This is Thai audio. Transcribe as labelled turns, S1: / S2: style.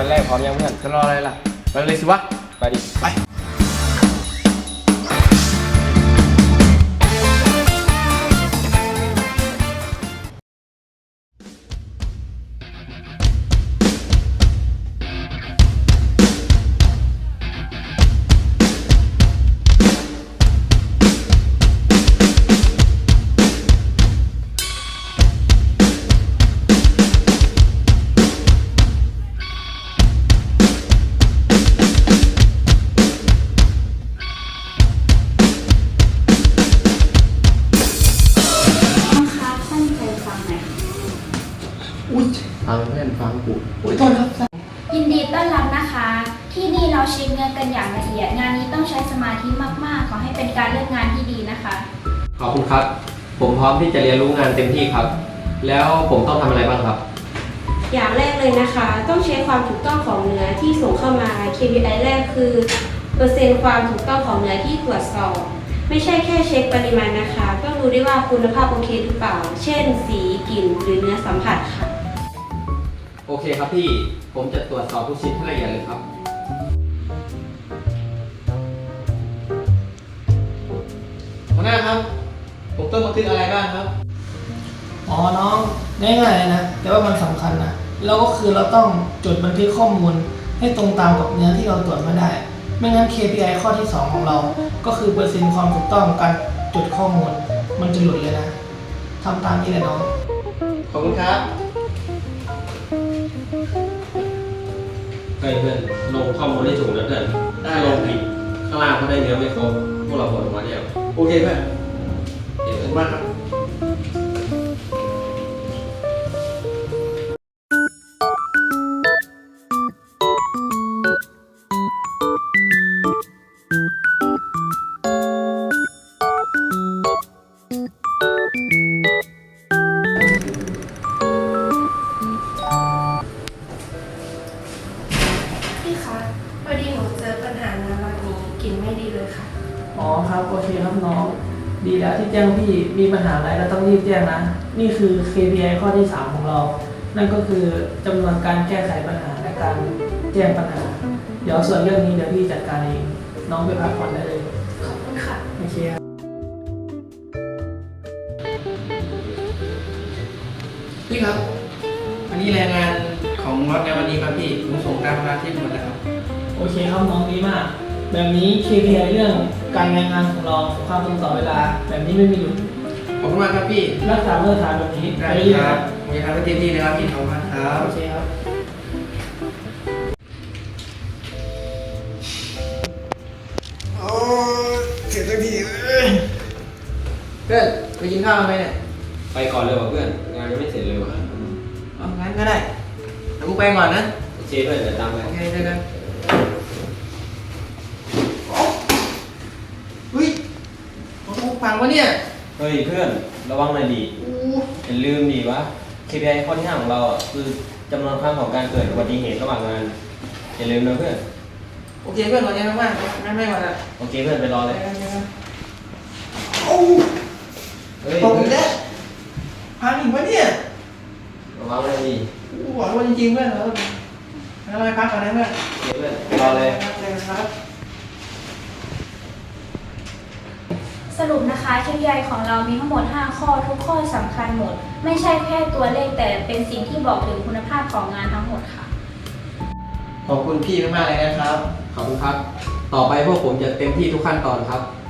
S1: วันแรกพร้อมยังเพื่อน
S2: จะรออะไรล่ะไปเลยสิวะ
S1: ไปดิ
S2: ไป
S1: ฟังเพื่อนฟังกู
S2: โทษครับ
S3: ยินดีต้อนรับนะคะ ที่นี่เราเช็คเงินกันอย่างละเอียดงานนี้ต้องใช้สมาธิมากๆขอให้เป็นการเลือกงานที่ดีนะคะ
S1: ขอบคุณครับผมพร้อมที่จะเรียนรู้งานเต็มที่ครับแล้วผมต้องทำอะไรบ้างครับ
S4: อย่างแรกเลยนะคะต้องเช็คความถูกต้องของเนื้อที่ส่งเข้ามา KPI แรกคือเปอร์เซ็นต์ความถูกต้องของเนื้อที่ตรวจสอบไม่ใช่แค่เช็คปริมาณนะคะต้องดูได้ว่าคุณภาพโอเคหรือเปล่าเช่นสีกลิ่นหรือเนื้อสัมผัสค่ะ
S1: โอเคครับพี่ผมจะตรวจสอบทุกชิ้นให้ละเอียดเลยครับ
S2: หัวหน้าครับผมต้องบันทึกอะไรบ้างครับ
S5: อ๋อน้องง่ายๆเลยนะแต่ว่ามันสำคัญนะแล้วก็คือเราต้องจดบันทึกข้อมูลให้ตรงตามกับเนื้อที่เราตรวจมาได้ไม่งั้น KPI ข้อที่ 2 ของเราก็คือเปอร์เซ็นต์ความถูกต้องการจดข้อมูลมันจะหลุดเลยนะทำตามนี้เลยน้อง
S2: ขอบคุณครับ
S1: เพื่อนลงข้อมูลให้ถูกนะเพื่อนถ้าลงผิดข้างล่างเขาได้เนื้อไม่ครบพวกเราผลออกมาเดียว
S2: โอเคเพื่อน
S1: ขอบ
S2: คุณมากครับ
S6: พี่คะพอดีหนูเจอปัญหาน้ำแบบนี้กลิ่นไม่ดีเลยค่ะ
S5: อ๋อครับโอเคครับน้องดีแล้วที่แจ้งพี่มีปัญหาอะไรเราต้องรีบแจ้งนะนี่คือ KPI ข้อที่ 3 ของเรานั่นก็คือจำนวนการแก้ไขปัญหาและการแจ้งปัญหาเดี๋ยวส่วนเรื่องนี้เดี๋ยวพี่จัดการเองน้องไปพักผ่อนได้เลย
S6: ขอบคุณค่ะ
S5: โอเคครับ
S2: พี่ครับอันนี้รายงานของรถในวันนี้ครับพี่ผมส่งตามเวลาที่หมดแล้วครับ
S5: โอเคครับน้องดีมากแบบนี้ KPI เรื่องการรายงานของเราความตรงต่อเวลาแบบนี้ไม่มีหลุด
S2: ขอบคุณมากครับพี่
S5: รักษามาตรฐานแบบนี้
S2: ได้ครับผมจะทำให้เต็มที่เลยครับพี่ขอบคุณครับ
S5: โอเคครับ
S2: โอ้เสร็จสักทีเพื่อนไปกินข้าวไหมเนี่ย
S1: ไปก่อนเลยว่ะเพื่อนงานยังไม่เสร็จเลยว่ะ
S2: เอางั้นก็ได้เดี๋ยวกูไปก่อนนะ
S1: โอเคเพื่อนเดี๋ยวตามไป
S2: โอเคได้กันเฮ้ยของกูพังวะเนี่ย
S1: เฮ้ยเพื่อนระวังหน่อยดิอย่าลืมดิวะ KPI ข้อที่ 5ของเราอ่ะคือจำนวนครั้งของการเกิดอุบัติเหตุระหว่างงานอย่าลืมนะเพื่อน
S2: โอเคเพื่อนขอบใจมากๆไม่ก่อนนะ
S1: โอเคเพื่อนไปรอเลย
S2: โอ้ตกอีกแล้วพังอีกวะเนี่ย
S1: ระวังเลยดิ
S2: กูบอกว่าจริงๆเพื่อนเราไปพักก่อนนะเพื่อน
S1: โอเคเพื่อนรอเลย
S2: ครับ
S3: สรุปนะคะ KPI ของเรามีทั้งหมด 5 ข้อทุกข้อสำคัญหมดไม่ใช่แค่ตัวเลขแต่เป็นสิ่งที่บอกถึงคุณภาพของงานทั้งหมดค่ะ
S2: ขอบคุณพี่มากๆเลยนะครับ
S1: ขอบคุณครับต่อไปพวกผมจะเต็มที่ทุกขั้นตอนครับ